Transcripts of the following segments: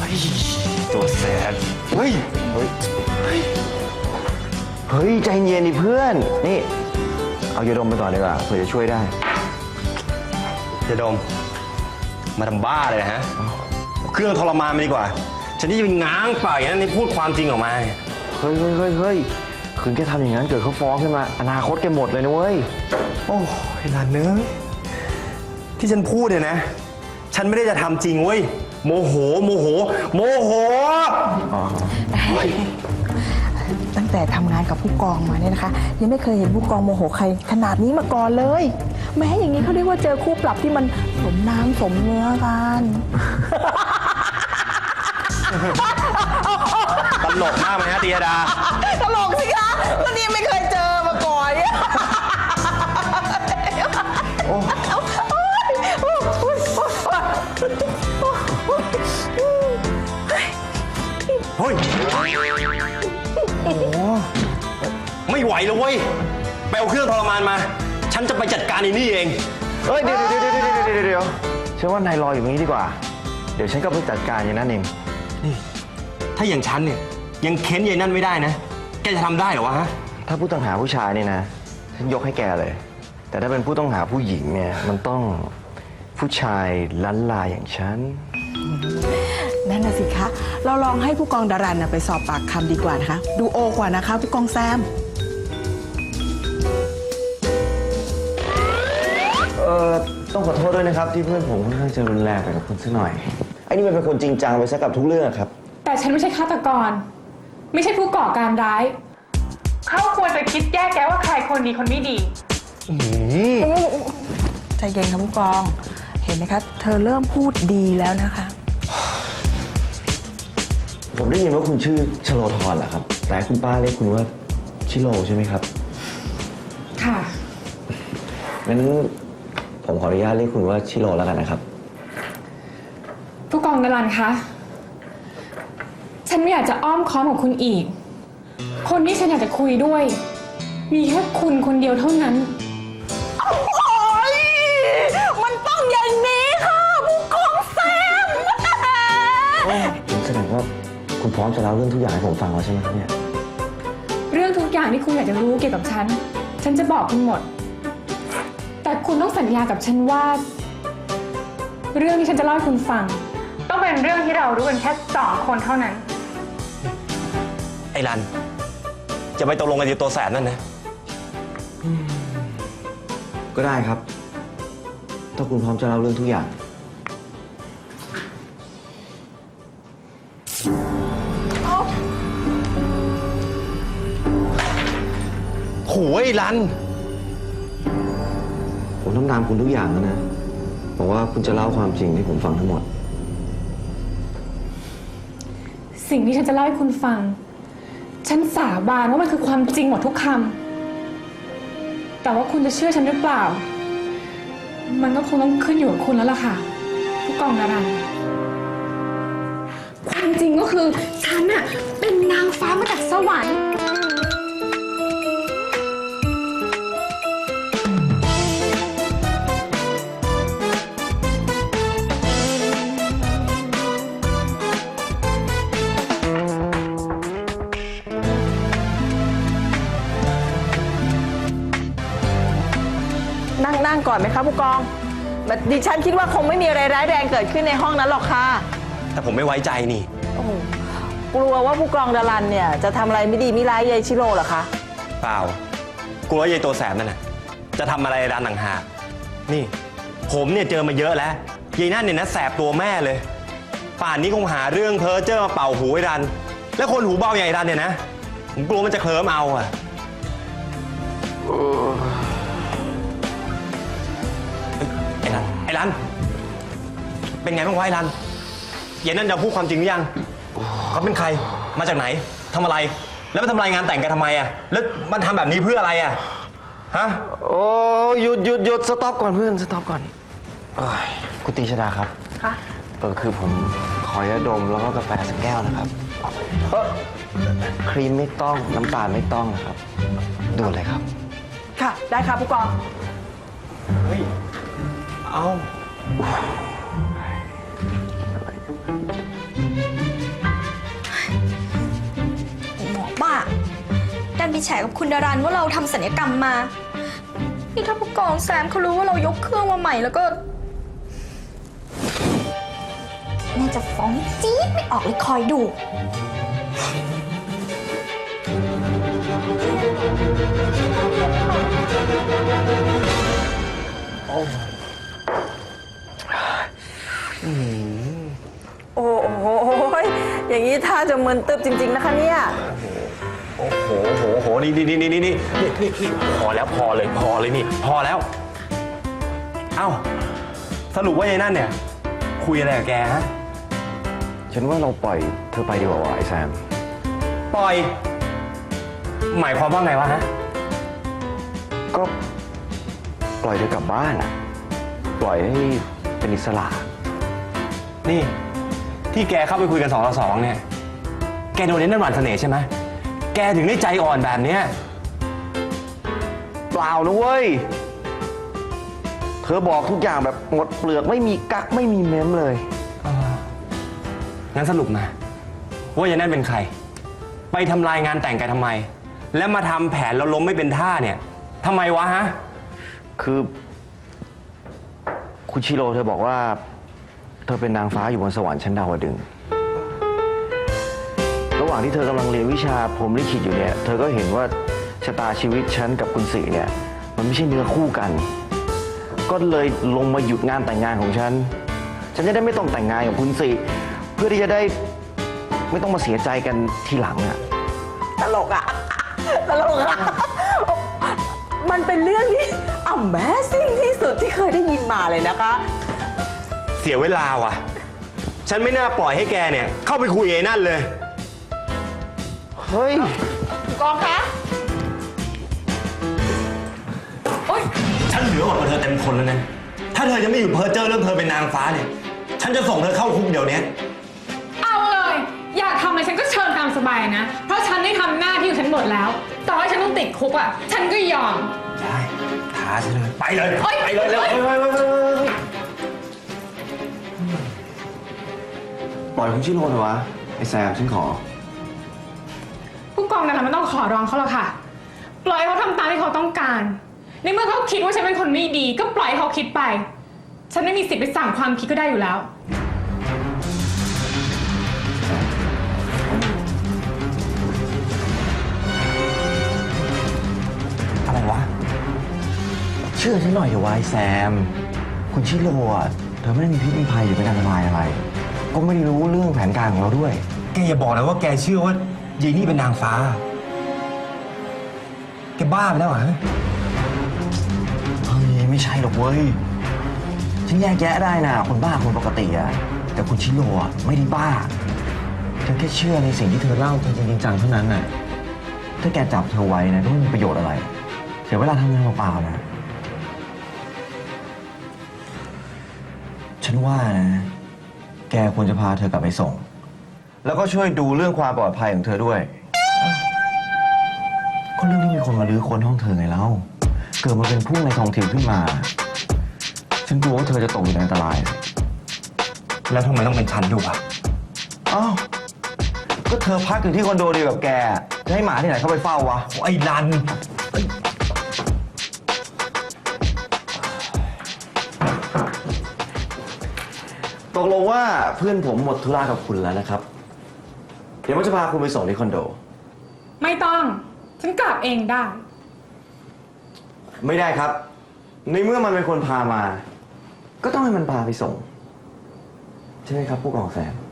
ตัวแสบเฮ้ยใจเย็นดิเพื่อนนี่เอายาดมไปก่อนดีกว่าเผื่อจะช่วยได้ยาดมมาทำบ้าเลยนะฮะเครื่องทรมานมาดีกว่าฉันที่จะเป็นง้างปากอย่างนั้นนี่พูดความจริงออกมาเฮ้ยคืนแกทำอย่างนั้นเกิดเขาฟ้องขึ้นมาอนาคตแกหมดเลยนะเว้ยโอ้ยหลานเนื้อที่ฉันพูดเนี่ยนะฉันไม่ได้จะทำจริงเว้ยโมโหตั้งแต่ทำงานกับผู้กองมาเนี่ยนะคะยังไม่เคยเห็นผู้กองโมโหใครขนาดนี้มาก่อนเลยแม้อย่างนี้เขาเรียกว่าเจอคู่ปรับที่มันสมน้ำสมเนื้อกันตลกมากไหมฮะตีดาตลกสิคะก็นี่ไม่เคยเจอมาก่อนเนี่ยเฮ้ยโอ้ไม่ไหวแล้วเว้ยไปเอาเครื่องทรมานมาฉันจะไปจัดการไอ้นี่เองเฮ้ยเดี๋ยวฉันว่านายรออยู่ตรงนี้ดีกว่าเดี๋ยวฉันก็ไปจัดการอย่างนั้นเองนี่ถ้าอย่างฉันเนี่ยยังเค้นยายนั่นไม่ได้นะแกจะทำได้เหรอวะฮะถ้าผู้ต้องหาผู้ชายนี่นะฉันยกให้แกเลยแต่ถ้าเป็นผู้ต้องหาผู้หญิงเนี่ยมันต้องผู้ชายล้านลาอย่างฉันนั่นน่ะสิคะเราลองให้ผู้กองดารันไปสอบปากคำดีกว่านะคะดูโอกว่านะคะผู้กองแซมต้องขอโทษด้วยนะครับที่เพื่อนผมค่อนข้างจะรุนแรงไปกับคุณสักหน่อยไอ้นี่มันเป็นคนจริงจังไปซะกับทุกเรื่องครับแต่ฉันไม่ใช่ฆาตกรไม่ใช่ผู้ก่อการร้ายเขาควรจะคิดแยกแยะว่าใครคนดีคนไม่ดีใจเย็นค่ะผู้กองเห็นไหมคะเธอเริ่มพูดดีแล้วนะคะผมได้ยินว่าคุณชื่อชโลธรเหรอครับแต่คุณป้าเรียกคุณว่าชิโร่ใช่ไหมครับค่ะงั้นผมขออนุญาตเรียกคุณว่าชิโร่แล้วกันนะครับผู้กองดารันคะฉันไม่อยากจะอ้อมค้อมกับคุณอีกคนที่ฉันอยากจะคุยด้วยมีแค่คุณคนเดียวเท่านั้นโอ๊ยมันต้องอย่างนี้ค่ะผู้กองแซมแสดงว่าคุณพร้อมจะเล่าเรื่องทุกอย่างให้ผมฟังแล้วใช่ไหมครับเนี่ยเรื่องทุกอย่างที่คุณอยากจะรู้เกี่ยวกับฉันจะบอกคุณหมดแต่คุณต้องสัญญากับฉันว่าเรื่องที่ฉันจะเล่าให้คุณฟังต้องเป็นเรื่องที่เรารู้กันแค่2 คนเท่านั้นไอ้รันจะไปตกลงกันที่ตัวแสบนั่นนะก็ได้ครับถ้าคุณพร้อมจะเล่าเรื่องทุกอย่างโหไอ้รันผมทำตามคุณทุกอย่างแล้วนะบอกว่าคุณจะเล่าความจริงให้ผมฟังทั้งหมดสิ่งที่ฉันจะเล่าให้คุณฟังฉันสาบานว่ามันคือความจริงหมดทุกคำแต่ว่าคุณจะเชื่อฉันหรือเปล่ามันก็คงต้องขึ้นอยู่กับคุณแล้วล่ะค่ะผู้กองดารันความจริงก็คือฉันน่ะเป็นนางฟ้ามาจากสวรรค์นั่งก่อนไหมคะผู้กองดิฉันคิดว่าคงไม่มีอะไรร้ายแรงเกิดขึ้นในห้องนั้นหรอกค่ะแต่ผมไม่ไว้ใจนี่กลัวว่าผู้กองดารันเนี่ยจะทำอะไรไม่ดีไม่ร้ายยายชิโร่เหรอคะเปล่ากลัวยายตัวแสบนั่นน่ะจะทำอะไรรันต่างหากนี่ผมเนี่ยเจอมาเยอะแล้วยายนั่นเนี่ยนะแสบตัวแม่เลยป่านนี้คงหาเรื่องเพ้อเจ้อมาเป่าหูไอ้รันแล้วคนหูเบาใหญ่รันเนี่ยนะผมกลัวมันจะเคลิ้มเอาอะไอ้รันเป็นไงบ้างวะไอ้รันเย็นนั่นจะพูดความจริงหรือยังเขาเป็นใครมาจากไหนทำอะไรแล้วมาทำรายงานแต่งกันทำไมอะแล้วมันทำแบบนี้เพื่ออะไรอะฮะโอ้หยุดสต็อปก่อนเพื่อนสต็อปก่อนคุณตีชดาครับค่ะคือผมขอยาดมแล้วก็กาแฟสักแก้วนะครับครีมไม่ต้องน้ำตาลไม่ต้องนะครับดูเลยครับค่ะได้ค่ะผู้กองเฮ้ยเอาดันไปแฉกับคุณดารันว่าเราทำศัลยกรรมมานี่ถ้าผู้กองแซมเขารู้ว่าเรายกเครื่องมาใหม่แล้วก็แม่จะฟ้องจี๊ดไม่ออกเลยคอยดูโอ้โหอย่างนี้ท่าจะมึนตึบจริง ๆ นะคะเนี่ยโอ้โหนี่พอแล้วพอเลยนี่พอแล้ว เอ้าสรุปว่ายายนั่นเนี่ย คุยอะไรกับแกฮะฉันว่าเราปล่อยเธอไปดีกว่าวะไอ้แซมปล่อย หมายความว่าไงวะฮะก็ปล่อยเธอกลับบ้านอะปล่อยให้เป็นอิสระนี่ ที่แกเข้าไปคุยกัน2 ต่อ 2เนี่ย แกโดนนั่นหวานเสน่ห์ใช่ไหมแกถึงได้ใจอ่อนแบบเนี้ยเปล่านะเว้ย เธอบอกทุกอย่างแบบหมดเปลือกไม่มีกักไม่มีเม้มเลยงั้นสรุปมาว่ายายนั่นเป็นใคร ไปทำลายงานแต่งแกทำไม แล้วมาทำแผนแล้วล้มไม่เป็นท่าเนี่ยทำไมวะฮะคือคุณชิโร่เธอบอกว่า เธอเป็นนางฟ้าอยู่บนสวรรค์ชั้นดาวดึงส์ระหว่างที่เธอกำลังเรียนวิชาพรหมลิขิตอยู่เนี่ย เธอก็เห็นว่าชะตาชีวิตฉันกับคุณศรีเนี่ย มันไม่ใช่เนื้อคู่กัน ก็เลยลงมาหยุดงานแต่งงานของฉัน ฉันจะได้ไม่ต้องแต่งงานกับคุณศรีเพื่อที่จะได้ไม่ต้องมาเสียใจกันทีหลังอะตลกอะมันเป็นเรื่องที่ Amazing ที่สุดที่เคยได้ยินมาเลยนะคะเสียเวลาว่ะ ฉันไม่น่าปล่อยให้แกเนี่ยเข้าไปคุยไอ้นั่นเลยเฮ้ยกองคะฉันเหลือกว่าเธอเต็มทนแล้วนะ ถ้าเธอยังไม่หยุดเพ้อเจ้อเรื่องเธอเป็นนางฟ้าเนี่ย ฉันจะส่งเธอเข้าคุกเดี๋ยวนี้เอาเลย อยากทำอะไรฉันก็เชิญตามสบายนะ เพราะฉันได้ทำหน้าที่ของฉันหมดแล้ว ต่อให้ฉันต้องติดคุกอ่ะ ฉันก็ยอมได้ท้าฉันเลย ไปเลยเฮ้ยไปเลยเร็วปล่อยคุณชิโร่เถอะวะ ไอ้แซมฉันขอผู้กองนั้นไม่ต้องขอร้องเขาหรอกค่ะ ปล่อยให้เขาทำตามที่เขาต้องการ ในเมื่อเขาคิดว่าฉันเป็นคนไม่ดี ก็ปล่อยให้เขาคิดไป ฉันไม่มีสิทธิ์ไปสั่งความคิดก็ได้อยู่แล้วอะไรวะเชื่อฉันหน่อยเถอะวะไอ้แซม คุณชิโร่อะเธอไม่ได้มีพิษมีภัยหรือเป็นอันตรายอะไร ก็ไม่ได้รู้เรื่องแผนการของเราด้วยแกอย่าบอกนะว่าแกเชื่อว่ายายนี่เป็นนางฟ้า แกบ้าไปแล้วเหรอฮะเฮ้ยไม่ใช่หรอกเว้ย ฉันแยกแยะได้นะคนบ้าคนปกติอะแต่คุณชิโร่อะไม่ได้บ้า ฉันแค่เชื่อในสิ่งที่เธอเล่าจริงๆจังๆเท่านั้นน่ะ ถ้าแกจับเธอไว้นะก็ไม่มีประโยชน์อะไร เสียเวลาทำงานเปล่าๆนะ ฉันว่านะ แกควรจะพาเธอกลับไปส่ง แล้วก็ช่วยดูเรื่องความปลอดภัยของเธอด้วย ก็เรื่องที่มีคนมาลื้อค้นห้องเธอไงเล่าเกิดมาเป็นผู้ในทองถิ่นขึ้นมา ฉันกลัวว่าเธอจะตกอยู่ในอันตรายแล้วทำไมต้องเป็นฉันด้วยวะอ้าว ก็เธอพักอยู่ที่คอนโดเดียวกับแก จะให้หมาที่ไหนเข้าไปเฝ้าวะไอ้รันตกลงว่าเพื่อนผมหมดธุระกับคุณแล้วนะครับ เดี๋ยวผมจะพาคุณไปส่งที่คอนโดไม่ต้อง ฉันกลับเองได้ไม่ได้ครับ ในเมื่อมันเป็นคนพามา ก็ต้องให้มันพาไปส่ง ใช่ไหมครับผู้กองแซม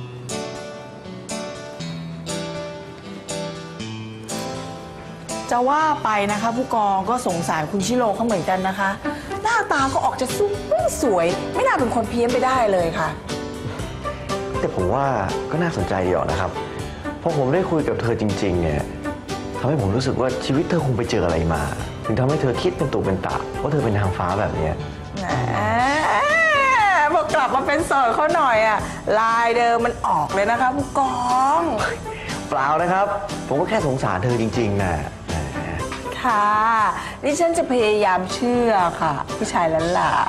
จะว่าไปนะคะผู้กองก็สงสารคุณชิโร่เขาเหมือนกันนะคะ หน้าตาก็ออกจะสวย ไม่น่าเป็นคนเพี้ยนไปได้เลยค่ะแต่ผมว่าก็น่าสนใจดีออกนะครับ พอผมได้คุยกับเธอจริง ๆ เนี่ยทำให้ผมรู้สึกว่าชีวิตเธอคงไปเจออะไรมา ถึงทำให้เธอคิดเป็นตุเป็นตะว่าเธอเป็นนางฟ้าแบบเนี้ยแหมพอกลับมาเป็นโสดเขาหน่อยอะลายเดิมมันออกเลยนะคะผู้กองเปล่านะครับ ผมก็แค่สงสารเธอจริงๆนะค่ะดิฉันจะพยายามเชื่อค่ะผู้ชายล้านหลา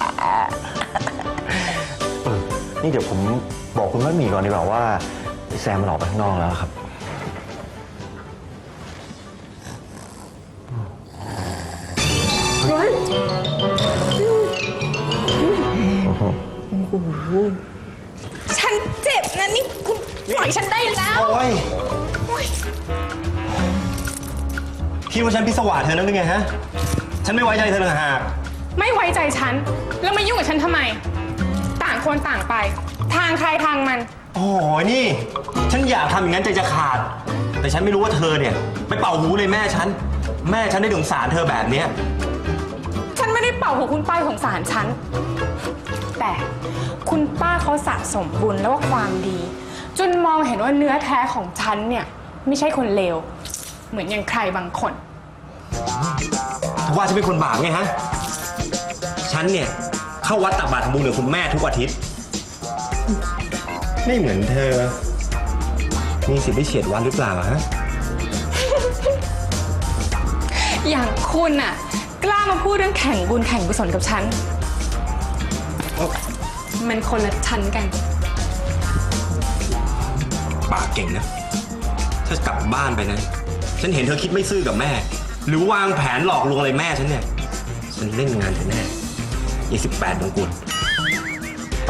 นี่เดี๋ยวผมบอกคุณมัดหมี่ก่อนดีกว่าว่าแซมมันออกไปข้างนอกแล้วครับฉันเจ็บนะนี่คุณปล่อยฉันได้แล้วโอ้ยคิดว่าฉันพิศวาสเธอนั่นหรือไงฮะ ฉันไม่ไว้ใจเธอต่างหากไม่ไว้ใจฉัน แล้วมายุ่งกับฉันทำไม ต่างคนต่างไป ทางใครทางมันโอ้ยนี่ ฉันอยากทำอย่างนั้นใจจะขาด แต่ฉันไม่รู้ว่าเธอเนี่ยไปเป่าหูเลยแม่ฉัน แม่ฉันได้สงสารเธอแบบเนี้ยฉันไม่ได้เป่าหัวคุณป้าของสารฉัน แต่คุณป้าเขาสะสมบุญแล้วก็ความดี จนมองเห็นว่าเนื้อแท้ของฉันเนี่ยไม่ใช่คนเลว เหมือนอย่างใครบางคนว่าฉันเป็นคนบาปไงฮะ ฉันเนี่ยเข้าวัดตักบาตรทำบุญกับคุณแม่ทุกอาทิตย์ ไม่เหมือนเธอ มีสิทธิ์ได้เฉียดวัดหรือเปล่าฮะอย่างคุณน่ะกล้ามาพูดเรื่องแข่งบุญแข่งกุศลกับฉัน มันคนละชั้นกันปากเก่งนะ ถ้ากลับบ้านไปนะ ฉันเห็นเธอคิดไม่ซื่อกับแม่ หรือวางแผนหลอกลวงอะไรแม่ฉันเนี่ย ฉันเล่นงานเธอแน่28มงกุฎไป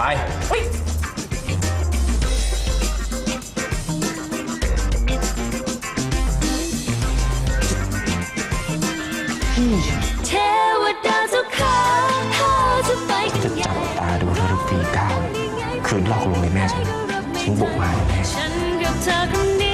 เทวดาเจ้าข้าถ้าจะไปกันใหญ่ตาดูเธอทุกทีก้าวคืนหลอกลวงเลยแม่ฉันบุกมาแน่ฉันกับเธอคนเดี